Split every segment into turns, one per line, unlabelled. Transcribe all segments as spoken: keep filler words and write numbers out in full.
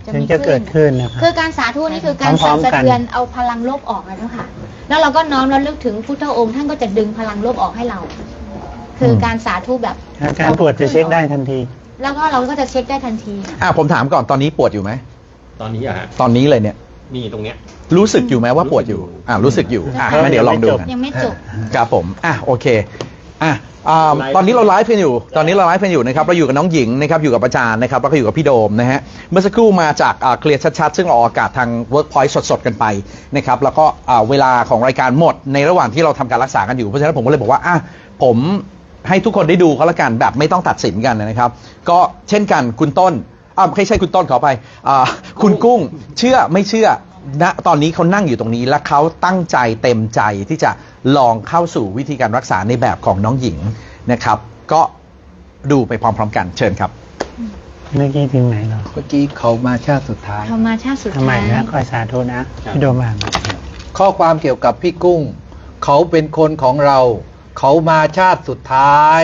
จะมีเกิดขึ้นนะครับ
คือการสาธุนี่คือการสั่นสะเทือนเอาพลังลบออกนะเจ้าค่ะแล้วเราก็น้อมระลึกถึงพุทธองค์ท่านก็จะดึงพลังลบออกให้เรา คือการสาธุแบบ
การปวดจะเช็คได้ทันที
แล้วก็เราก็จะเช็คได้ทันที
อ่ะผมถามก่อนตอนนี้ปวดอยู่ไหม
ตอนนี้อะฮะ
ตอนนี้เลยเนี่ย
มีตรงเนี้ย
รู้สึกอยู่ไหมว่าปวดอยู่อ่ารู้สึกอยู่อ่ะงั้นเดี๋ยวลองดูกัน
ยังไม่จบ
ครับผมอ่ะโอเคอ่ะตอนนี้เราไลฟ์กันอยู่ตอนนี้เราไลฟ์กันอยู่นะครับเราอยู่กับน้องหญิงนะครับอยู่กับอาจารย์นะครับแล้วก็อยู่กับพี่โดมนะฮะเมื่อสักครู่มาจากเคลียร์ชัดๆซึ่งเราออกอากาศทาง Workpoint สดๆกันไปนะครับแล้วก็เวลาของรายการหมดในระหว่างที่เราทำการรักษากันอยู่เพราะฉะนั้นผมก็เลยบอกว่าอ่ะผมให้ทุกคนได้ดูเขาละกันแบบไม่ต้องตัดสินกันนะครับก็เช่นกันคุณต้นอ่าไม่ใช่คุณต้นขอไปอ่าคุณกุ้งเชื่อไม่เชื่อณตอนนี้เขานั่งอยู่ตรงนี้และเขาตั้งใจเต็มใจที่จะลองเข้าสู่วิธีการรักษาในแบบของน้องหญิงนะครับก็ดูไปพร้อมๆกันเชิญครับ
เมื่อกี้ถึงไหนเรา
เมื่อกี้เขามาชาติสุดท้าย
เขามาชาติสุดท้าย
ทำไมนะคอยสาธุนะพี่โดมอ่าน
ข้อความเกี่ยวกับพี่กุ้งเขาเป็นคนของเราเขามาชาติสุดท้าย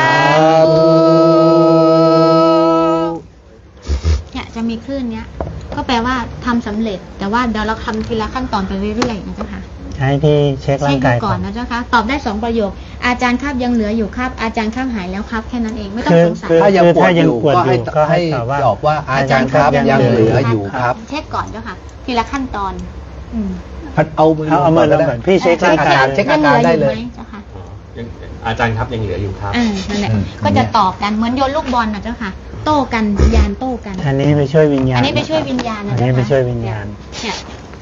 เนี่ยจะมีคลื่นเนี้ยก็แปลว่าทำสำเร็จแต่ว่าเดี๋ยวเราทำทีละขั้นตอนไปเรื่อยๆนะเจ้าค่ะ
ใช้ที่เช็คร่างกาย
ก่อนนะเจ้าค่ะตอบได้สองประโยคอาจารย์ครับยังเหลืออยู่ครับอาจารย์ครับหายแล้วครับแค่นั้นเองไม่ต้องสงสัย
ถ้ายังปวดอยู่ก็ให้ก็ให้ตอบว่าอาจารย์ครับยังเหลืออยู่ครับ
เช็คก่อนเจ้าค่ะทีละขั้นตอนอืม
เอามือ
เอามือลงก่อนพี่เช็คร่างกาย
เช็คอาการได้เลย
อาจารย์ครับยังเหลืออยู่ครับ
อ่านั่นแหละก็จะตอบกันเหมือนโยนลูกบอลนะเจ้าค่ะโต้กันยานโต้กัน
อันนี้ไปช่วยวิญญาณ
อันนี้ไปช่วยวิญญาณนะ
อันนี้ไปช่วยวิญญาณ
เนี่ย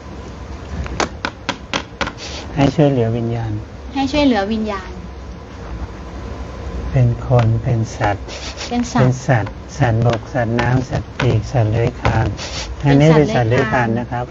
ให้ช่วยเหลือวิญญาณ
ให้ช่วยเหลือวิญญาณ
เป็นคนเป็นสัตว์
เป็นสัตว์
เป็นสัตว์สัตว์บกสัตว์น้ำสัตว์ปีกสัตว์เลื้อยคลานอันนี้เป็นสัตว์เลื้อยคลานนะครับ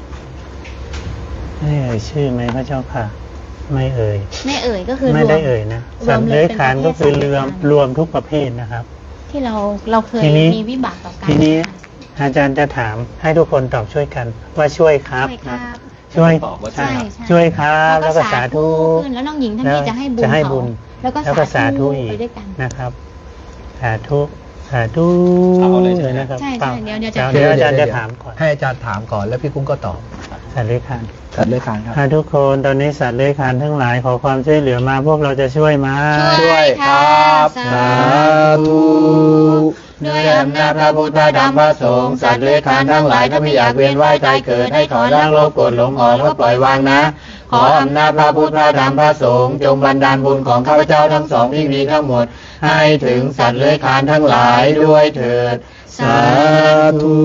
ไม่เอ่ยชื่อไหมพระเจ้าค่ะไม่เอ่ย
ไม่เอ่ยก็คือ
ไม่ได้เอ่ยนะสัตว์เลื้อยคลานก็คือรวมรวมทุกประเภทนะครับ
ที่เราเราเคยมีวิบากต่อกัน
ทีนี้อาจารย์จะถามให้ทุกคนตอบช่วยกันว่าช่วยครับนะช่วย
ใช่
ช่วยครับแล้วก็สาธุ
แล้วน้องหญิงท่านนี้จะให้บุญ
จะให้บุญ
แล้วก็
สาธุอีกนะครับสาธุสาธุเลยนะครับ
ใช่ใช่เดี๋ยวเดี๋ยว
เดี๋ยวอาจารย์จะถามก่อน
ให้อาจารย์ถามก่อนแล้วพี่กุ้งก็ตอบ
สัตว์เลื้อยคลาน
สัตว์เลื้อยคลานครับ
ทุกคนตอนนี้สัตว์เลื้อยคลานทั้งหลายขอความช่วยเหลือมาพวกเราจะช่วยมา
ช่วยครับสาธุ
ด้วยอำนาจพระพุทธธรรมพระสงฆ์สัตว์เลื้อยคลานทั้งหลายถ้าไม่อยากเวียนว่ายตายเกิดให้ถอนร่างโลภโกรธหลงออกแล้วก็ปล่อยวางนะขออำนาจพระพุทธธรรมพระสงฆ์จงบันดาลบุญของข้าพเจ้าทั้งสองที่มีทั้งหมดให้ถึงสัตว์เลื้อยคลานทั้งหลายด้วยเถิดสาธุ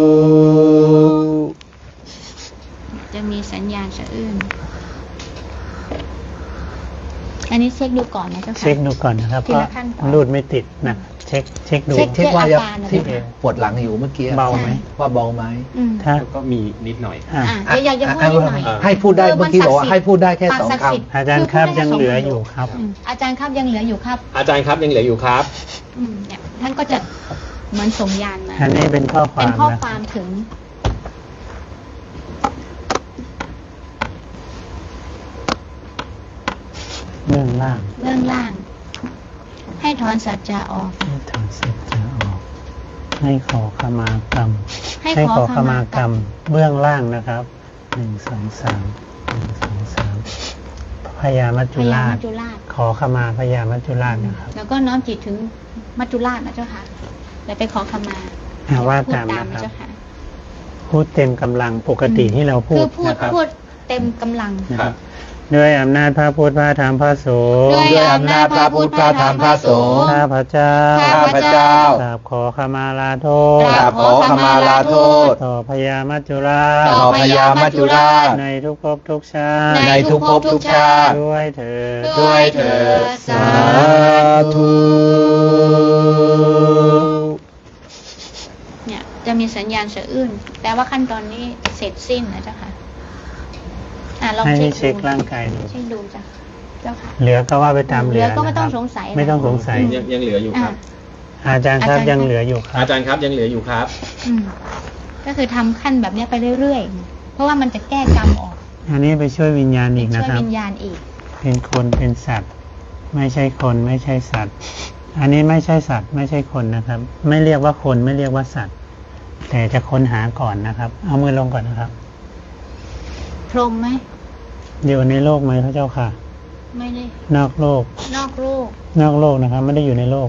จะมีสัญญาณสะอื้นอันนี้เช็คดูก่อนนะเจ้าค่ะ
เช็คดูก่อนนะครับเพราะรูดไม่ติดนะเช็คเช็คดู
เช็คว่าที่ปวดหลังอยู่เมื่อกี้
เบาไหม
ว่าเบาไหม
ถ้าก็มีนิดหน่อย
อ่าอยากจะพูดนิดหน่อย
ให้พูดได้เมื่อกี้บอกว่าให้พูดได้แค่สองค
ำอาจารย์ครับยังเหลืออยู่ครับ
อาจารย์ครับยังเหลืออยู่ครับ
อาจารย์ครับยังเหลืออยู่ครับ
อืมเนี่ยท่านก็จะเหมือนส่งยานมา
อันนี้เป็นข้อความ
เป็นข้อความถึง
เรื่องล่าง
เรื่องล่างให้ถอนสัจจะออก
ให้ถอนสัจจะออกให้ขอขมากรรมให้ขอขมากรรมเบื้องล่างนะครับหนึ่งสองสามหนึ่งสองสามพญามัจจุราชขอขมาพญามัจจุราชนะครับ
แล้วก็น้อมจิตถึงมัจจุราชนะเจ้าค่ะแล้วไปขอขมา
ว่าตามนะครับพูดเต็มกำลังปกติที่เราพูด
นะครับพูดเต็มกำลัง
นะครับด้วยอำนาจพระพุทธพระธรรมพระสงฆ์
ด้วยอำนาจพระพุทธพระธรรมพระสงฆ์
ข้าพเจ้า
ข้าพเจ้าก
ราบขอขมาลาโทษ
กราบขอขมาลาโทษ
ต่อพญามัจจุราช
ต่อพญามัจจุราช
ในทุกภพทุกชาติ
ในทุกภพทุกชาติ
ด้วยเถิด
ด้วยเถิดสาธุ
เนี่ยจะมีสัญญาณสะอื้นแปลว่าขั้นตอนนี้เสร็จสิ้นนะเจ้าค่ะ
ให้เช็คร่างกายดู
เช็คดูจ้ะเจ้าค่ะ
เหลือก็ว่าไปตามเหลือ
ก็ไม่ต้องสงสัย
ไม่ต้องสงสัย
ยังเหลืออยู่ครับ
อาจารย์ครับยังเหลืออยู่ครับ
อาจารย์ครับยังเหลืออยู่ครับ
ก็คือทำขั้นแบบนี้ไปเรื่อยๆเพราะว่ามันจะแก้กรรมออก
อันนี้ไปช่วยวิญญาณอีกนะครับ
ช่วยวิญญาณอีก
เป็นคนเป็นสัตว์ไม่ใช่คนไม่ใช่สัตว์อันนี้ไม่ใช่สัตว์ไม่ใช่คนนะครับไม่เรียกว่าคนไม่เรียกว่าสัตว์แต่จะค้นหาก่อนนะครับ เอามือลงก่อนนะครับ
พรหมไหม
อยู่ในโลกไหมพระเจ้าค่ะ
ไม่ได้
นอกโลก
นอกโลก
นอกโลกนะครับ ไม่ได้อยู่ในโลก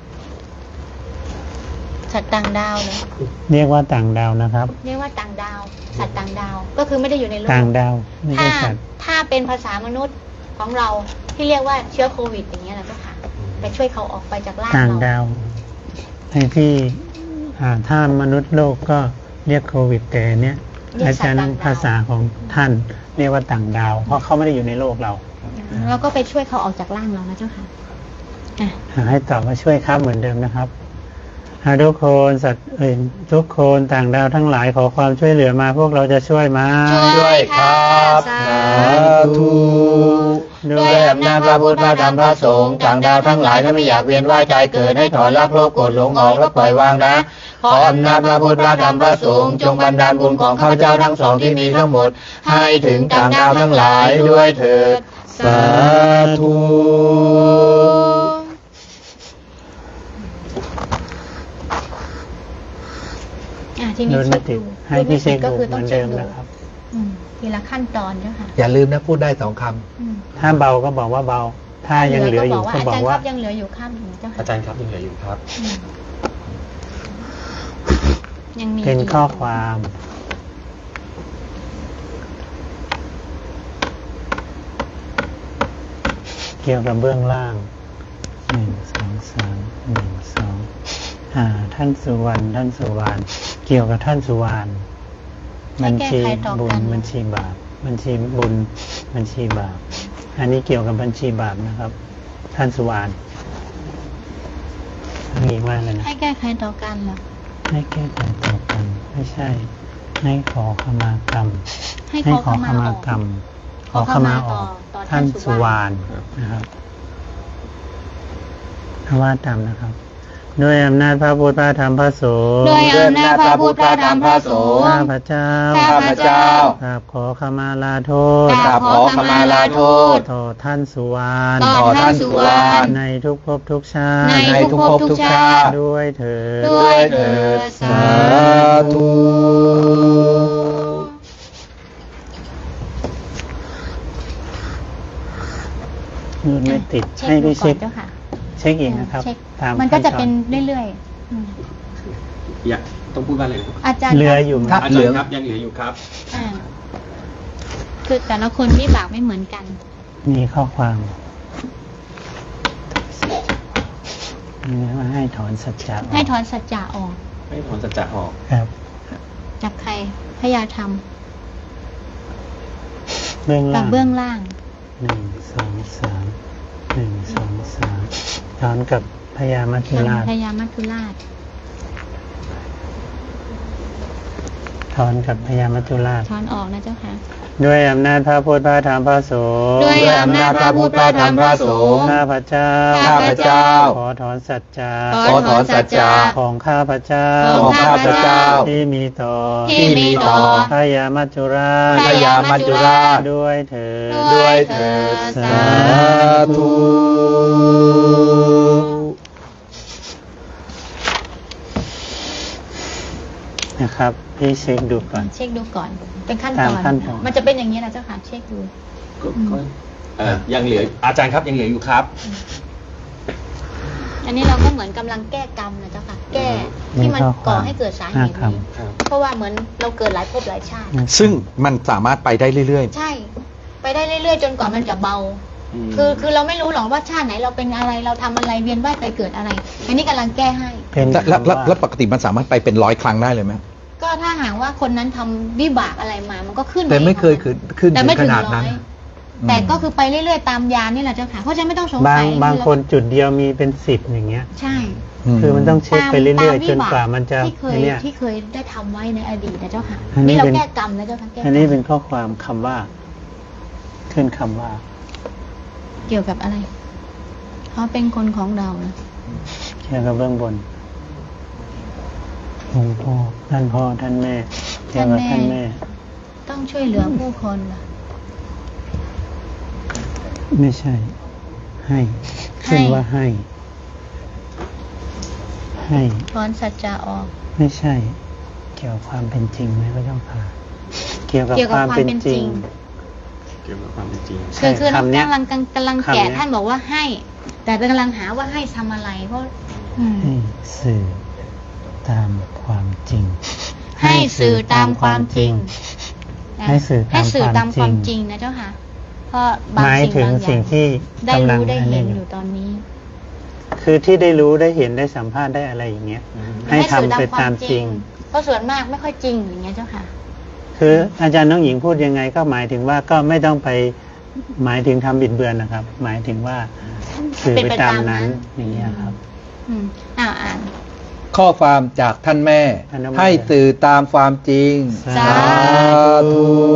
สัตว์ต่างดาวเลย
เรียกว่าต่างดาวนะครับ
เรียกว่าต่างดาว สัตว์ต่างดาว ก็คือไม่ได้อยู่ในโลก
ต่างดาวไม่
ถ้า
ใช่สัตว์
ถ้าเป็นภาษามนุษย์ของเราที่เรียกว่าเชื้อโควิดอย่างเงี้ยนะเจ้าค่ะไปช่วยเขาออกไปจากร่าง
ต่าง
เรา
ดาวในที่อ่าถ้ามนุษย์โลกก็เรียกโควิดแต่เนี้ยอาจารย์ภาษาของท่านเรียกว่าต่างดาว เพราะเขาไม่ได้อยู่ในโลกเรา
แล้วก็ไปช่วยเขาออกจากร่างเรานะเจ้าค่ะอ่ะ
หาให้ตอบว่าช่วยครับเหมือนเดิมนะครับหาทุกคนสัตว์เอ่ยทุกคนต่างดาวทั้งหลายขอความช่วยเหลือมาพวกเราจะช่วยมา
ช่วยครับ
สาธุ
ด้วยอำนาจพระพุทธพระธรรมพระสงฆ์ต่างดาวทั้งหลายถ้าไม่อยากเวียนว่ายตายเกิดให้ถอนรักโลภโกรธหลงออกและปล่อยวางนะ ขออำนาจพระพุทธพระธรรมพระสงฆ์จงบันดาลบุญของข้าพเจ้าทั้งสองที่มีทั้งหมด ให้ถึงต่างดาวทั้งหลายด้วยเถิด
สาธุ
อ่ะทีนี้
โดย
เช็
ไม่
ค
ติด
ดู
ให้พี่เช็ค
ก็
ดู
คือ
เห
ต้อ
มื
ง
อน
เช็
เดิ
ค
ม
ดู
นะครับ
อืมทีละขั้นตอนเจ้าค่ะ
อย่าลืมนะพูดได้สองค
อืม
ถ้าเบาก็บอกว่าเบา ถ้ายังเหลืออยู่ก็
อา
บอ
จาร
ก
ย์ค
ว่า
รับยังเหลืออยู่ข้ามหนึ่งเจ้าค่ะ
อาจารย์ครับยังเหลืออยู่ครับ
อืมยังมี
เป็น
ก
ข้อความ เกี่ยวกับเบื้องล่างหนึ่งสองสามหนึ่งสองอ่า ท่านสุวรรณท่านสุวรรณเกี่ยวกับท่านสุวรรณบัญชีบุญบัญชีบาปบัญชีบุญบัญชีบาปอันนี้เกี่ยวกับบัญชีบาปนะครับ ท่านสุวรรณอันนี้ว่าเลยนะ
ให้แก้ไขต่อกันเหรอ
ให้แก้ไขต่อกันไม่ใช่ ให้ขอขมากรรม
ให้ขอ
ขอ
ข
ข
มา
มา
ออก
กรรม
ขอขมาต่อต่อท่า
ท่าน น
สุ
สุ
ว
ว
ร
ร
ร
ร
ณ
ณนะครับว่าตามนะครับ ด้วยอำนาจพระพุทธพระธรรมพระสงฆ์
ด้วยอำนาจพระพุทธพระธรรมพระสงฆ์
ข้าพเจ้า
ข้าพเจ้า
กราบขอขมาลาโทษ
กราบขอขมาลาโทษ
ต่อท่านสุวรรณ
ต่อท่านสุวรรณ
ในทุกภพทุกชาติ
ในทุกภพทุกชาติ
ด้วยเถิด
ด้วยเถิด
ำสาธุ
นูนไม่ติด
เช็ค
ให้
ดู
พี่
ก่อ
เช็
น
ค
เจ้าค่ะ
เช็คอีกนะครับ
เช็ค
ตาม
มันก็จะ
ขั้ตอ
เป็นเรื่อยๆอืม
อยากต้องพูดว่าอะไรนะครับ
อาจารย์
เหลืออยู่
ถ้า
อา
เห
จา
ลื
ร
อง
ย์ครับยังเหลืออยู่ครับ
อ่าคือแต่ละคนวิบากไม่เหมือนกัน
มีข้อความนี่ว่าให้ถอนสัจจะก
ให้ถอนสัจจะออก
ให้ถอนสัจจะออก
ครับ
จากใครพยาธรรม
เบื้อง
กั
ล่า
บ
ง
เบื้องล่าง
หนึ่งสองสามหนึ่งสองสามถอนกับพญามัจจุราช
พยามัจจุราช
ถอนกับพญามัจจุราช
ถอนออกนะเจ้าค่ะ
ด้วยอำนาจพระพุทธพระธรรมพระสงฆ์
ด้วยอำนาจพระพุทธพระธรรมพระสงฆ์
ข้าพเจ้า
ข้าพเจ้า
ขอถอนสัจจะ
ขอถอนสัจจะ
ของข้าพเจ้า
ของข้าพเจ้า
ที่มีต่อ
ที่มีต่อ
พญามัจจุราช
พญามัจจุราช
ด้วยเถิด
ด้วยเถิด
สา
ธุ
นะครับพี่เช็คดูก่อน
เช็คดูก่อน เป็นขั้นต
ตา
อ
ม
น
ขั้นตอน
มันจะเป็นอย่างนี้นะเจ้าค่ะ เช็คดู
ก็ก็เอ่อยังเหลืออาจารย์ครับยังเหลืออยู่ครับ
อันนี้เราก็เหมือนกำลังแก้กรรมนะเจ้าค่ะ แก้ที่มันก่อให้เกิดสาเหตุ
ห้า
นี้
คำ
ครับ
เพราะว่าเหมือนเราเกิดหลายภพหลายชาติ
ซึ่งมันสามารถไปได้เรื่อย
ใช่ ไปได้เรื่อยๆ จนกว่ามันจะเบา
อืม
คือคือเราไม่รู้หรอกว่าชาติไหนเราเป็นอะไร เราทำอะไรเวียนว่ายไปเกิดอะไร อันนี้กำลังแก้ให้
เป็น
ๆ แล้วแล้ว
คำว่า
แล้วปกติมันสามารถไปเป็นร้อยครั้งได้เลยไหม
ก็ถ้าหากว่าคนนั้นทำวิบากอะไรมา มันก็ขึ้น
แต่ไม่เคย
อง
ขึ้นขึ้น
แต่
ถึ
ไม่
งข
ถึง
นาด
ร้
นั้
อน ยแต่ก็คือไปเรื่อยๆ ตามยานนี่แหละเจ้าค่ะ เพราะฉะนั้นไม่ต้องสง
บา
สั
ง
ย
บางคนจุดเดียวมีเป็นสิบอย่างเงี้ย
ใช่
คือมันต้องเช็คไปเรื่อยๆ จนกว่ามันจะ
ที่เคย
ไอ้เนี่ย
ที่เคยได้ทำไว้ในอดีตนะเจ้าค่ะ
อันนี้
นี่เรา
เป็น
แก้กรรมนะเจ้าค่ะแก้กรรม
อันนี้เป็นข้อความคำว่า ขึ้นคำว่า
เกี่ยวกับอะไรเขาเป็นคนของเรานะ
เกี่ยวกับเบื้องบนหลวงพ่อท่านพ่อท่านแม่เกี่ยวกับท่านแม่
ต้องช่วยเหลือผู้คนล่ะ
ไม่ใช่ ให้ ขึ้นว่าให้ ให้
ถอนสัจจะออก
ไม่ใช่เกี่ยวกับความเป็นจริงไหมพระเจ้าค่ะ เกี่ยวกับ
เกี่ยว
ค
กับ
วาม
ความ
เป็น
เป็น
จ
จ
ริ
ริ
ง
ง
เกี่ยวกับความเป็นจริง
คือคือน้อง
คำเนี้ย
กำลังกำลัง
คำเนี้
แกะ
ย
ท่านบอกว่าให้ แต่เป็นกำลังหาว่าให้ทำอะไร เพราะอืม
ให้สื่อตามความจริง
ให้สื่อตามความจริงนะ
ให้สื่อ
ให้สื่อตา
ตาม มความ ม
คาวจ
จริ
ริง
ง
นะเจ้าค่ะ เพราะบาง
หมาย
สิ่ง
ถึง
บางอ
สิ่
ย่าง ง
ที่
ได้
กำลัง
รู้ได้
อัน
เห็
นี้
น
อ
อยู่ ยู่ตอนนี้
คือที่ได้รู้ได้เห็นได้สัมภาษณ์ได้อะไรอย่างเงี้ย ให้ทำไปตามจริง
เพราะส่วนมากไม่ค่อยจริงอย่างเงี้ยเจ้าค่ะ
คืออาจารย์น้องหญิงพูดยังไงก็หมายถึงว่าก็ไม่ต้องไปหมายถึงทำบิดเบือนนะครับ หมายถึงว่าสื่อไปตามนั้นอย่างเงี้ยครับ
อืมอ่าอ่าน
ข้อความจากท่านแม่
ท่านแม่
ให้สื่อตามความจริง
สา
ธุ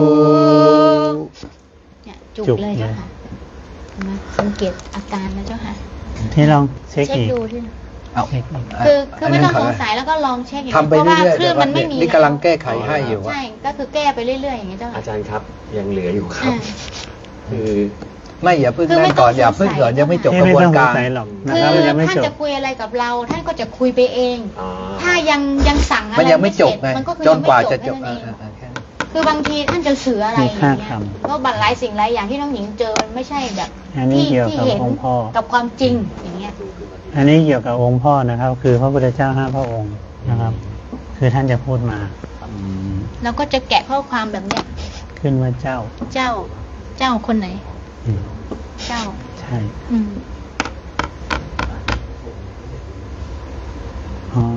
เนี่ยจุก
จุก
เลยเจ้า
เลย
ค่ะเห็นไหมสังเกตอาการนะเจ้าค่ะ
ที่ลองเช็ค
เช็ค
อีก
ดูที่
เอา
เช็คอีก
คือคือไม่ต้อง
น
ส
นั้น
งสัยแล้วก็ลองเช็คอย่าง
ทำไป
เพราะว่า
เรื่อยๆ
คลื่นมันไม่มี
นี่กำลังแก้ไขให้อยู่ว่า
ใช่ ก็คือแก้ไปเรื่อยๆอย่างเงี้ยเจ้าค่ะ
อาจารย์ครับยังเหลืออยู่ครับ
อ่า
คือ
ไม่อย่าเพิ่ง
คือไม่
นั่นก่อน
ต้อง
อย่าเพิ่ง
สงสัย
ก่อนยังไม่จบ
ที่
กระ
ไม่
บวน
ต้องสง
การ
สัยหรอกนะ
คือ
ครับมันยังไม่
ท่าน
จบ
จะคุยอะไรกับเรา ท่านก็จะคุยไปเอง
อ๋อ
ถ้ายังยังสั่งอะไร
มันยังไม่จบ
เส
ไง
ร็มันก็คือ
จนกว่าจะจ
ยัง
บ
ไม่แค่นั้น
เอ
เอง
อเออเออแค่นั้น
คือบางทีท่านจะสื่ออะไรอย่าง
มี
เงี้
ค่าย ค
ก็บัตรหลายสิ่งหลายอย่างที่น้องหญิงเจอมันไม่ใช่แบบ
อันนี้
ที่
เกี่ยว
ที่
กับ
เห็น
องค์พ่อ
กับความจริงอย่างเงี้ย
อันนี้เกี่ยวกับองค์พ่อนะครับ คือพระพุทธเจ้าห้าพระองค์นะครับ คือท่านจะพูดมา
อืม
แล้วก็จะแกะข้อความแบบเนี้ย
ขึ้นว่าเจ้า
เจ้าเจ้าคนไหน
อืม
เจ้า
ใช่
อืม
อ๋อ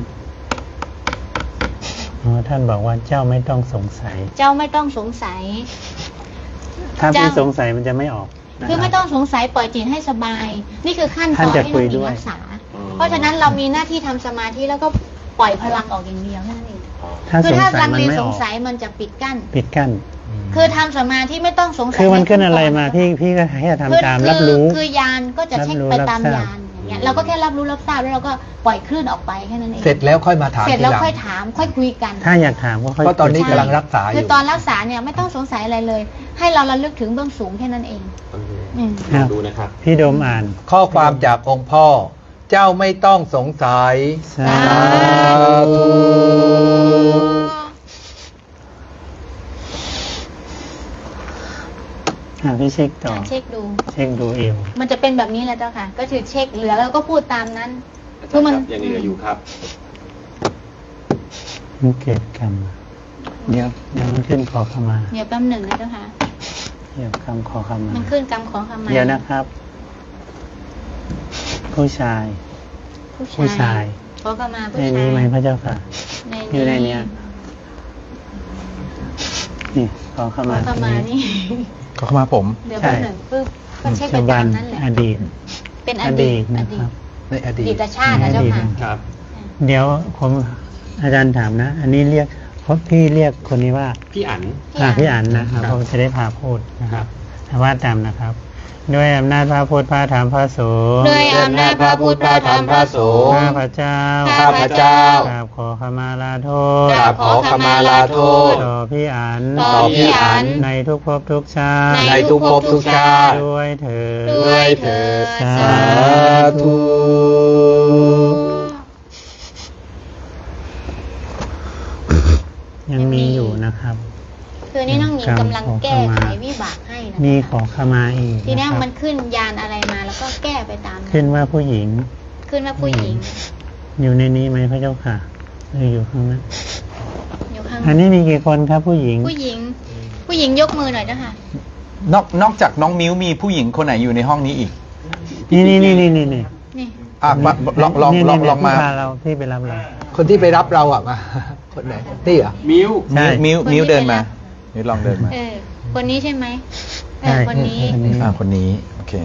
อ๋อท่านบอกว่าเจ้าไม่ต้องสงสัย
เจ้าไม่ต้องสงสัย
ถ้าพี่
เจ้า
สงสัยมันจะไม่ออกนะรับ
คือไม่ต้องสงสัยปล่อยจิตให้สบาย นี่คือขั้นต
ท่า
อน น
จะ
ที่
คุ
น้อย งหญิ
ด้
ง
วย
รักษา เพราะฉะนั้นเรามีหน้าที่ทำสมาธิแล้วก็ปล่อยพลังออกอย่างเดียวแค่นั้นเอง
ถ้า
คื
สง
ถ้า
สัย
ลัง
มัน
เล
ไม่
ส
อง อก
สัยมันจะปิดกั้น
ปิดกั้น
คือทำสมาธิไม่ต้องสงสัย
คือมันขึ้น
ใ
อะไรมา
ก่
พี่พี่ก็แค่
คือ
ทำตามรับรู้
คือคือยานก็จะเช็ค
รับรู้
ไปตาม
รับทราบ
ยานอย่างเงี้ยเราก็แค่รับรู้รับทราบแล้วเราก็ปล่อยคลื่นออกไปแค่นั้นเอง
เสร็จแล้วค่อยมาถาม
เสร็จ
ที
แล้ว
หลัง
ค่อยถามค่อยคุยกัน
ถ้าอยากถามก็ค่อย
เพราะตอนนี้
คุย
กำลังรักษาอ
คือยู่ ตอนรักษาเนี่ยไม่ต้องสงสัยอะไรเลย ให้เราระลึกถึงเบื้องสูงแค่นั้นเอง อืม
ลองดูนะครับ
พี่โดมอ่าน
ข้อความจากองค์พ่อ เจ้าไม่ต้องสงสัย
สา
ธุ
อ่ะพี่เช็คต่อ
อ่ะเช็คดู
เช็คดูเอว
มันจะเป็นแบบนี้แหละเจ้าค่ะ ก็คือเช็คเหลือแล้วก็พูดตามนั้น
อาจารย์ครับยังเหลืออยู่ครับ
มันเกิดกรรม เดี๋ยวเดี๋ยวมันขึ้นขอขมา
เดี๋ยวแป๊บหนึ่งนะเจ้าค่ะ
เดี๋ยวกรรมขอขมา
มันขึ้นกรรมขอขมา
เดี๋ยวนะครับ ผู้ชาย ผู้ชาย
ขอขมาผู้
ใน
ชาย
นี้ไหมพระเจ้าค่ะ
ใน
อยู่ในเนี้ย นี่ขอข
ขอ
มา
ขมานี่
ก็เข้ามาผม
เดี๋ยวแป๊บหนึ่งปึ๊บก็เช็คไป
ปัจจุบั
ตาน มนั้นแหละ
อดีต
เป็นอ
อ
ดี
ดี
ต
ตนะครับ
ในอ
อ
ดี
ดี
ต
ตชาตินะเจ้าค่ะ
ครับ
เดี๋ยวผมอาจารย์ถามนะ อันนี้เรียกเพราะพี่เรียกคนนี้ว่า
พี่อั๋น
อ่าพี่อั๋นนะครับเพราะจะได้พาพูดนะครับแต่ว่าตามนะครับ ด้วยอำนาจพระพุทธพระธรรมพระสงฆ์
ด้วยอำนาจพระพุทธพระธรรมพระสงฆ์
ข้าพระเจ้า
ข้าพเจ้าก
ราบขอขมาลาโทษ
กราบขอขมาลาโทษ
ต่อพี่อั๋น
ต่อพี่อั๋น
ในทุกภพทุกชาติ
ในทุกภพทุกชาติ
ด้วยเถิด
ด้วยเถิด
สา
สา
ธุ
ยังมีอยู่นะครับ
คือนี่น้องหญิงกำลังแก้ไขวิบากให้นะ
มีขอขมาอีก
ทีนี้
นะครับ
มันขึ้นยานอะไรมาแล้วก็แก้ไปตามนั้น
ขึ้นว่าผู้หญิง
ขึ้นว่าผู้หญิง
อยู่ในนี้ไหมพระเจ้าค่ะหรืออยู่ข้างนั้น
อยู่ข้าง
อันนี้มีกี่คนครับผู้หญิง
ผู้หญิง ผู้หญิงยกมือหน่อยเจ้าค่ะ
นอกนอกจากน้องมิ้วมีผู้หญิงคนไหนอยู่ในห้องนี้อีก
นี่นี่นี่นี่นี่นี่
นี่
อ่ะมาลองลอง
นี่
ลอง
นี่
ลองมา
ที่พเราที่ไปรับเรา
คนที่ไปรับเราอ่ะมา คนไหนนี่เหรอ
มิว
ใช่
มิ้ว
คนที่
มิ้วเดิน
ไปรั
มา
บ
มิ้วลองเดินมา
เออ คนนี้ใช่ไหมเอ
ใช่
อคนนี้
คนนี้
อ่าคนนี้โอเค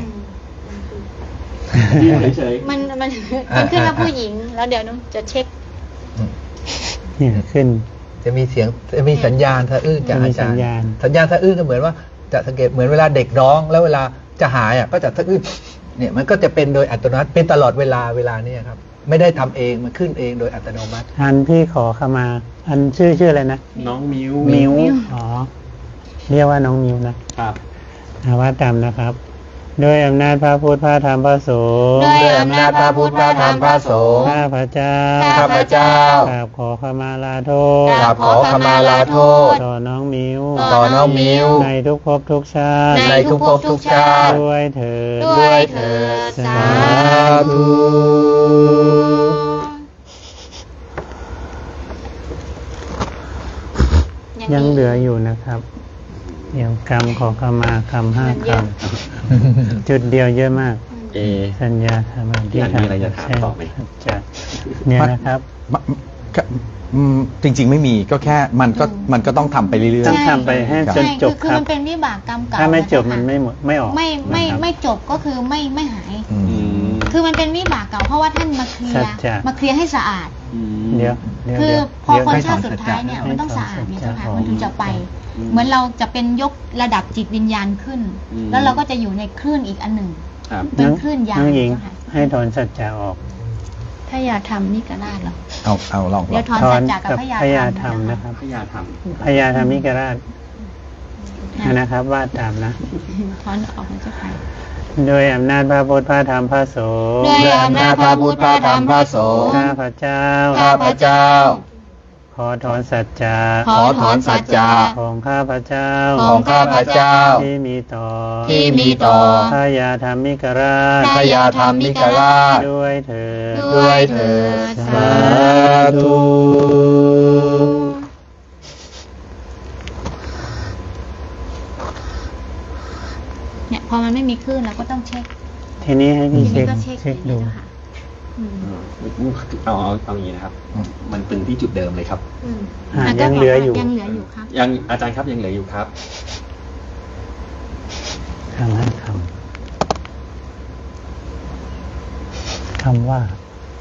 อืม
มิวเฉย
มันมันมันขึ้นว่าผู้หญิง แล้วเดี๋ยวน้องจะเช็ค
เนี่ยขึ้น
จะมีเสียงจะมีสัญญาณสะอื้นจาก
จะมี
อาจารย์
สัญญาณ
สัญญาณสะอื้นก็เหมือนว่าจะสังเกตเหมือนเวลาเด็กร้อง แล้วเวลาจะหายอ่ะก็จะสะอื้นเนี่ยมันก็จะเป็นโดยอัตโนมัติเป็นตลอดเวลาเวลาเนี้ครับ ไม่ได้ทำเองมันขึ้นเองโดยอัตโนมัติ
อันพี่ขอขมา อันชื่อชื่ออะไรนะ
ๆน้องมิว
มิว
มิว
อ๋อ เรียกว่าน้องมิวนะครับ อาว่าตามนะครับด้วยอำนาจพระพุทธพระธรรมพระสงฆ์
ด้วยอำนาจพระพุทธพระธรรมพระสงฆ์
ข้าพระเจ้า
ข้าพเจ้าก
ราบขอขมาลาโทษ
กราบขอขมาลาโทษ
ต่อน้องมิว
ต่อน้องมิว
ในทุกภพทุกชาติ
ในทุกภพทุกชาติ
ด้วยเถิด
ด้วยเถิดสาธุ
ยังเหลืออยู่นะครับ เดี๋ยวกรรมขอขมากรรมห้ากรรมจุดเดียวเยอะมาก
เอ
สัญญาธรรมที่
พี่อันมีอะไรจะถาม
ใช่
ต่อไหม
จะเนี่ยนะครับ
มะก็อืมจริง ๆ ไม่มีก็แค่มันก็มันก็ต้องทำไปเรื่อย
ต้องทำไปให้
ครับ
จน
ใช่
จ
คื
บ
อคื
ค
อ
รับ
มันเป็นวิบากกรรมเก่า
ถ้าไม่จบ
ะคะ
มันไม่หมดไม่ออก
ไม่ไม่
นะครับ
ไม่จบก็คือไม่ไม่หาย
อืม
อืม
คือมันเป็นวิบากเก่าเพราะว่าท่านมาเคลีย
สัจ
ร์
จะ
มาเคลียร์ให้สะอาด
อืม
เดี๋ยวเดี๋ยว
คือ
เดี๋ยว
พอ
เดี๋ยว
คน
ให้
ชาติสุดท้ายเนี่ย
ให้
มันต้อง
ถอน
สะอาดเนี่ย
สัจจะ
เจ้าค่ะ
ออก
มันถึงจะไป
อืม
เหมือนเราจะเป็นยกระดับจิตวิญญาณขึ้น
อืม
แล้วเราก็จะอยู่ในคลื่นอีกอันหนึ่ง
ครับ
เป็นคลื่นยาว
น้องหญิง
เจ้าค่ะ
ให้ถอนสัจจะออก
ถ้าอย่าทำนี่ก็ได้หรอ
เอาเอาลองล
เดี๋
อย ง
วถอน
ถอ
สั
น
จจะกับ
กับ
พยา
พยาธ
ธ
ร
ร
ร
ร
ม
ม
นะ
นะ
ค
ค
รั
รับ บ
พยาธรรม
พยาธรรมิกราช
นะ
นะครับว่าตามนะ
ถอนออกนะเจ้าค่ะ
โดยอำนาจพระพุทธพระธรรมพระสงฆ์
ด้วยอำนาจพระพุทธพระธรรมพระสงฆ์
ข้าพระเจ้า
ข้าพเจ้า
ขอถอนสัจจะ
ขอถอนสัจจะ
ของข้าพระเจ้า
ของข้าพเจ้า
ที่มีต่อ
ที่มีต่อ
พยาธรรมิกราช
พยาธรรมิกราช
ด้วยเถิด
ด้วยเถิดสาธุ
เนี่ยพอมันไม่มีคลื่นเราก็ต้องเช็ค
ทีนี้ให้
ที
พี่เช็
นี้
ค
ก็เช็ค
เช็คดู
อย่างนี้นะคะอืม
เอาเอาเอาอย่างนี้นะครับ มันตึงที่จุดเดิมเลยครับ
อืม
อ่า
ะก็
ยังเหลืออยู่
ยังเหลืออยู่ครับ
ยังอาจารย์ครับยังเหลืออยู่ครับ
คำห้าคำคำว่า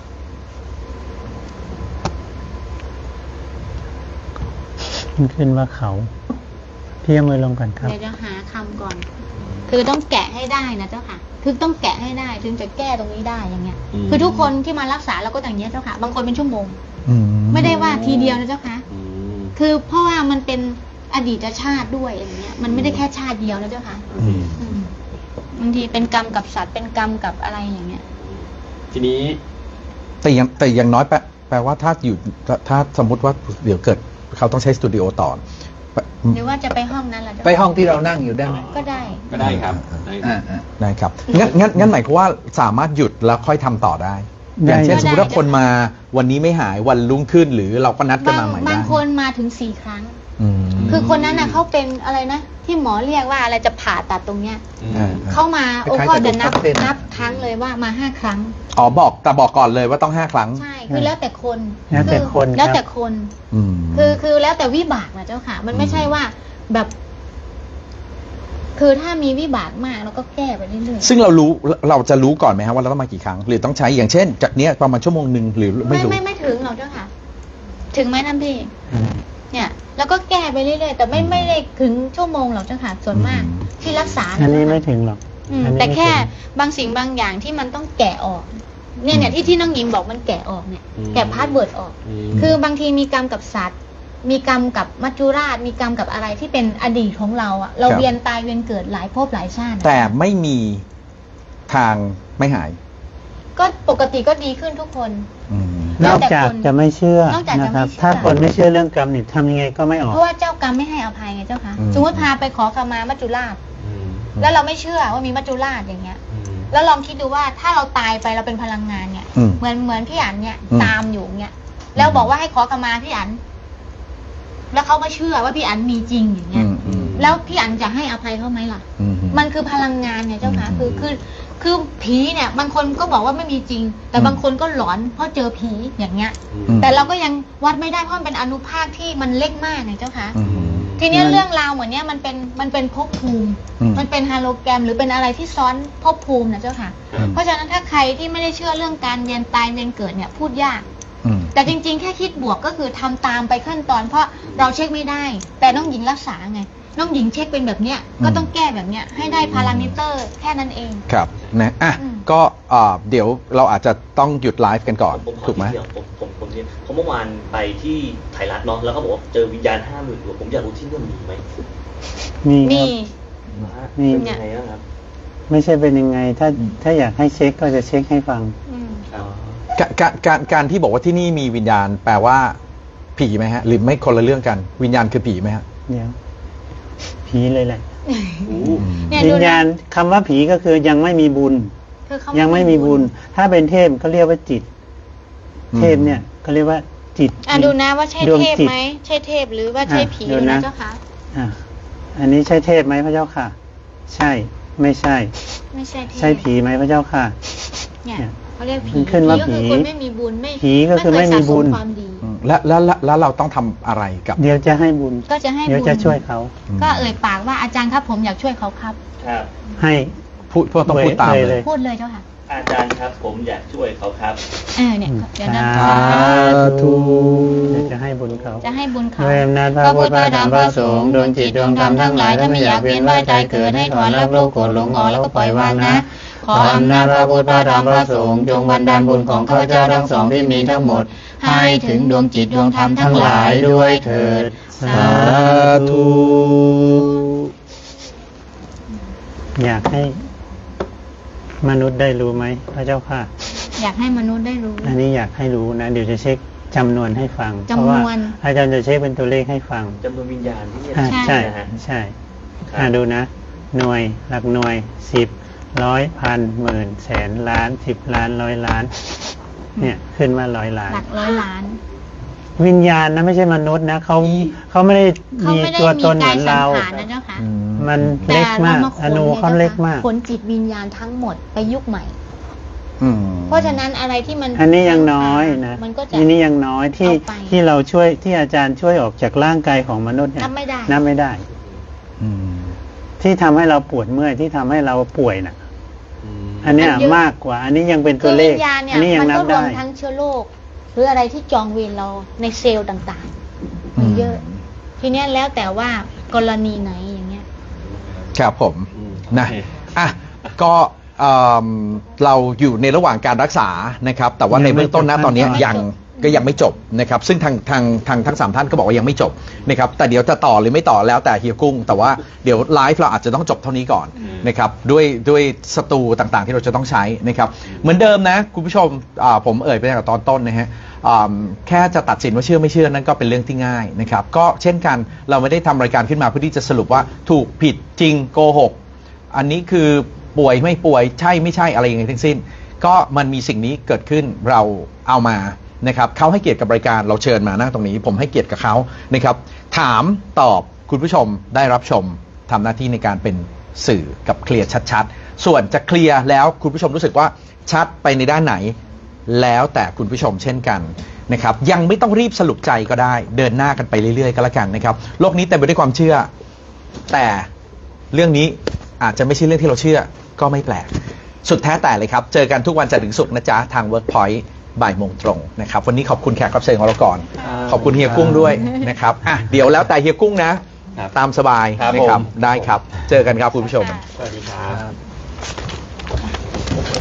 ขึ้นขึ้นว่าเขาพี่เอามือลงก่อนครับ
เดี๋ยวจะหาคำก่อน คือต้องแกะให้ได้นะเจ้าค่ะ คือต้องแกะให้ได้ถึงจะแก้ตรงนี้ได้อย่างเงี้ย
อืม
คือทุกคนที่มารักษาเราก็อย่างเงี้ยเจ้าค่ะ บางคนเป็นชั่วโมง
อืม
ไม่ได้ว่าทีเดียวนะเจ้าค่ะ
อืม
คือเพราะว่ามันเป็นอดีตชาติด้วยอย่างเงี้ย มันไม่ได้แค่ชาติเดียวนะเจ้าค่ะ
อืม
อืมบางทีเป็นกรรมกับสัตว์เป็นกรรมกับอะไรอย่างเงี้ย
ทีนี้
แต่ยังแต่อย่างน้อยแปลแปลว่าถ้าอยู่ถ้าถ้าสมมติว่าเดี๋ยวเกิดเขาต้องใช้สตูดิโอต่อแปล
หรือว่าจะไปห้องนั้นล่ะเจ้า
ไปห้องที่เรานั่งอยู่ได้ไหม
ก็ได้
ก็ได้ครับได้ค
อ่า
รับ
อ่า
ได้ครับงั้นงั้นงั้นหมายความว่าสามารถหยุดแล้วค่อยทำต่อได้
ได้
อย่างเช่น
ได้
สมมติว่าคนมาวันนี้ไม่หายวันรุ่งขึ้น หรือเราก็นัดกัน
บาง
มาใหม่
บา
ได้
งคนมาถึงสี่ครั้ง
อืม
คือคนนั้นน่ะเขาเป็นอะไรนะ ที่หมอเรียกว่าอะไรจะผ่าตัดตรงเนี้ย
อ่า
เข้ามาโอ้
คล้ายๆ
ก็จะนับ
กระดูกทับเส้น
นับครั้งเลยว่ามาห้าครั้ง
อ๋อบอกแต่บอกก่อนเลยว่าต้องห้าครั้ง
ใช่ คือแล้วแต่คน
แล้วแต่คน
อแล้ว
ครับ
แต่คน
อืม
คือคือแล้วแต่วิบากนะเจ้าค่ะ มันไม่ใช่ว่าแบบ คือถ้ามีวิบากมากเราก็แก้ไปเรื่อย
ซึ่งเรารู้เราจะรู้ก่อนไหมครับว่าเราต้องมากี่ครั้ง หรือต้องใช้อย่างเช่น จากเนี้ยประมาณชั่วโมงหนึ่งหรือ
ๆ
ไม่
ไม่
รู้
ไม่ไม่ถึงหรอกเจ้าค่ะ ถึงไหมท่านพี่
อืม
เนี่ย แล้วก็แก้ไปเรื่อยๆแต่ไม่ไม่ได้ถึงชั่วโมงหรอกเจ้าค่ะ ส่วนมาก
อืม
ที่รักษา
อันนี้
เจ้าค่ะ
ไม่ถึงหรอก
อืม
อันนี้
แต่
ไม่
แค่
ถึง
บางสิ่งบางอย่างที่มันต้องแกะออก เนี่ยเนี่ยที่ที่น้องหญิงบอกมันแกะออกเนี่ย
อืม
แกะพาสเวิร์ดออก
อืม
คือบางทีมีกรรมกับสัตว์ มีกรรมกับมัจจุราช มีกรรมกับอะไรที่เป็นอดีตของเราอะเรา
ครับ
เวียนตายเวียนเกิดหลายภพหลายชาติ
แต่ไม่มีทางไม่หาย
ก็ปกติก็ดีขึ้นทุกคน
อืม
นอกจากจะไม่เชื่อน
อกจากจะ
นะ
ไม่
ครับ
เชื่อ
ถ้าคนไม่เชื่อเรื่องกรรมนี่ทำยังไงก็ไม่ออก
เพราะว่าเจ้ากรรมไม่ให้อภัยไงเจ้าคะ
อืม
สมมติพาไปขอขมามัจจุราช
อืม
แล้วเราไม่เชื่อว่ามีมัจจุราชอย่างเงี้ย
อืม
แล้วลองคิดดูว่าถ้าเราตายไปเราเป็นพลังงานเนี่ย
อืม
เหมือนเหมือนพี่อันเนี่ย
อืม
ตามอยู่เนี่ยแล้วบอกว่าให้ขอขมาพี่อัน แล้วเขามาเชื่อว่าพี่อันมีจริงอย่างเงี้
อื
ย
มอืม
แล้วพี่อันจะให้อภัยเขาไหมล่ะ
อื
มันคือพลังงานเนี่ยเจ้าค่ะ
อืม
คือคือคือผีเนี่ย บางคนก็บอกว่าไม่มีจริง แต่
อืม
บางคนก็หลอนเพราะเจอผีอย่างเงี้ย
อืม
แต่เราก็ยังวัดไม่ได้เพราะมันเป็นอนุภาคที่มันเล็กมากไงเจ้าค่ะ
อืม
ทีเนี้ยเรื่องราวเหมือนเนี้ยมันเป็นมันเป็นภพภูมิ
อืม
มันเป็นฮาโลแกรมหรือเป็นอะไรที่ซ้อนภพภูมินะเจ้าค่ะ
อืม
เพราะฉะนั้นถ้าใครที่ไม่ได้เชื่อเรื่องการเวียนตายเวียนเกิดเนี่ยพูดยาก
อืม
แต่จริงๆ แค่คิดบวกก็คือทำตามไปขั้นตอนเพราะเราเช็คไม่ได้ แต่น้องหญิงรักษาไง น้องหญิงเช็คเป็นแบบเนี้ย
อืม
ก็ต้องแก้แบบเนี้ยให้ได้พารามิเตอร์แค่นั้นเอง
ครับนะอ่ะ
อืม
ก็เอ่อเดี๋ยวเราอาจจะต้องหยุดไลฟ์กันก่อน
ผมขอ
ถูกไหม
ทีเดียวผมผมผมเรียนเพราะเมื่อวานไปที่ไทยรัฐเนาะแล้วเขาบอกว่าเจอวิญญาณห้าหมื่นดวงผมอยากรู้ที่นี่มีไหม
มีค
มี
รับ
นะฮะ
มี
เป็นยังไงบ้างครับ
ไม่ใช่เป็นยังไง ถ้าถ้าอยากให้เช็คก็จะเช็คให้ฟัง
อืม
การการการการที่บอกว่าที่นี่มีวิญญาณแปลว่าผีไหมฮะ หรือไม่คนละเรื่องกัน วิญญาณคือผีไหมฮะ
เดี๋ยว ผีเลยแหละ
เนี่ย
วิ
ดู
ญ
นะ
ญาณคำว่าผีก็คือยังไม่มีบุญ
คือเขา
ยังไม่มีบุญ ถ้าเป็นเทพก็เรียกว่าจิต
อืม
เทพเนี่ยก็เรียกว่าจิต
อ่ะดูนะว่าใช่
ดวง
เทพ
จิต
ไหมใช่เทพหรือว่าใช่ผี
อ่ะดูนะ
นะเจ้าค่ะ
อ่ะอันนี้ใช่เทพไหมพระเจ้าค่ะ ใช่ ไม่ใช่
ไม่ใช่เทพ
ใช่ผีไหมพระเจ้าค่ะ
เนี่ย
เนี่ย
เขาเรียกผี
มันขึ้นว่า
ผีก็คือ
ผี
คนไม่มีบุญไม่
ผีก็คือไม่มีบุญ
เคยสะสความดี
อืมและและและแล้วเราต้องทำอะไรกับ
เดี๋ยวจะให้บุญ
ก็จะให้
เดี๋ยว
บุญ
จะช่วยเขา
ก็เอ่ยปากว่าอาจารย์ครับผมอยากช่วยเขาครับ
ครับ
ให้
พูดพูดต้องพูดตาม
เลย
เล
เลย ย
พูดเลยเจ้าค่ะ
อาจารย์ครับผมอยากช่วยเขาครับ
เออเนี่ยเดี๋ยวนะ
สา
ธุ
เดี๋ยวจะให้บุญเขา
จะให้บุญเขา
ด้วยอำนาจพระพุทธพระธรรมพระสงฆ์ดวงจิตดวงธรรมทั้งหลายถ้าไม่อยากเวียนว่ายตายเกิดให้ถอนรับโลกโกรธหลงออกแล้วก็ปล่อยวางนะ ขออำนาจพระพุทธพระธรรมพระสงฆ์จงบันดาลบุญของข้าพเจ้าทั้งสองที่มีทั้งหมด ให้ถึงดวงจิตดวงธรรมทั้งหลายด้วยเถิด
สาธุ
อยากให้มนุษย์ได้รู้ไหมพระเจ้าค่ะ
อยากให้มนุษย์ได้รู้
อันนี้อยากให้รู้นะ เดี๋ยวจะเช็คจำนวนให้ฟัง
จำนวน
เพราะว่าอาจารย์จะเช็คเป็นตัวเลขให้ฟัง
จำนวนวิญญาณที่เนี่ย
อ่า
ใช่
ใช่
นะฮะ
ใช่
ครับ
อ่าดูนะ หน่วยหลักหน่วยสิบร้อยพันหมื่นแสนล้านสิบล้านร้อยล้าน เนี่ยขึ้นมาร้อยล้าน
หลักร้อยล้าน
วิญญาณนะไม่ใช่มนุษย์นะเขาเขาไม่ได้
เขา
มี
ไม่ได้
ตัวตน
มี
เห
กา
มื
ย
อน
สัง
เรา
ขารนะเจ้าค่ะ
อืม
มันเล็กมาก
แต่
อนุ
ร
เขาเล็กมาก
ขนจิตวิญญาณทั้งหมดไปยุคใหม่
อืม
เพราะฉะนั้นอะไรที่มัน
อันนี้ยังน้อยนะ
มันก็จะ
อันนี้ยังน้อยที่
เอาไป
ที่เราช่วยที่อาจารย์ช่วยออกจากร่างกายของมนุษย์เนี่ย
นับไม่ได้
นับไม่ได้
อืม
ที่ทำให้เราปวดเมื่อยที่ทำให้เราป่วยน่ะ อันเนี้ย
มันเยอะ
มากกว่า อันนี้ยังเป็น
คื
ตัว
อ
เล
วิ
ข
ญญาณเนี่ย
อันนี้ยัง
มัน
นับ
ก็รว
ได้
มทั้งเชื้อโรคหรืออะไรที่จองเวรเราในเซลล์ต่างๆมีเยอะ ทีเนี้ยแล้วแต่ว่ากรณีไหนอย่างเงี้ย
ครับผม
อืม
นะ
โอเค
อ่ะก็เอิ่มเราอยู่ในระหว่างการรักษานะครับ แต่ว่าในเบื้องต้นนะตอนนี้
ยังไม่จบ
ยังก็ยังไม่จบนะครับ ซึ่งทางทางทางทั้งสามท่านก็บอกว่ายังไม่จบนะครับ แต่เดี๋ยวจะต่อหรือไม่ต่อแล้วแต่เฮียกุ้ง แต่ว่าเดี๋ยวไลฟ์เราอาจจะต้องจบเท่านี้ก่อนนะครับด้วยด้วยสตูต่างๆ ที่เราจะต้องใช้นะครับ เหมือนเดิมนะคุณผู้ชมอ่าผมเอ่ยไปตั้งแต่ตอนต้นนะฮะอ่าแค่จะตัดสินว่าเชื่อไม่เชื่อนั้นก็เป็นเรื่องที่ง่ายนะครับ ก็เช่นกันเราไม่ได้ทำรายการขึ้นมาเพื่อที่จะสรุปว่าถูกผิดจริงโกหก อันนี้คือป่วยไม่ป่วยใช่ไม่ใช่อะไรยังไงทั้งสิ้น ก็มันมีสิ่งนี้เกิดขึ้นเราเอามานะครับเขาให้เกียรติกับรายการเราเชิญมานั่งตรงนี้ ผมให้เกียรติกับเขานะครับ ถามตอบคุณผู้ชมได้รับชมทำหน้าที่ในการเป็นสื่อกับเคลียร์ชัดๆ ส่วนจะเคลียร์แล้วคุณผู้ชมรู้สึกว่าชัดไปในด้านไหน แล้วแต่คุณผู้ชมเช่นกันนะครับ ยังไม่ต้องรีบสรุปใจก็ได้เดินหน้ากันไปเรื่อยๆก็แล้วกันนะครับโลกนี้เต็มไปด้วยความเชื่อ แต่เรื่องนี้อาจจะไม่ใช่เรื่องที่เราเชื่อก็ไม่แปลก สุดแท้แต่เลยครับ เจอกันทุกวันจันทร์ถึงศุกร์นะจ๊ะ ทาง Workpoint บ่ายโมงตรงนะครับ วันนี้ขอบคุณแขกรับเชิญของเราก่อน ขอบคุณเฮียกุ้งด้วยนะครับอ่ะเดี๋ยวแล้วแต่เฮียกุ้งนะ
ครับ
ตามสบาย
ครับ
นะครับ
ผม
ได้ครับ เจอกันครับคุณผู้ชม
ค่ะ
สวัสดีครับ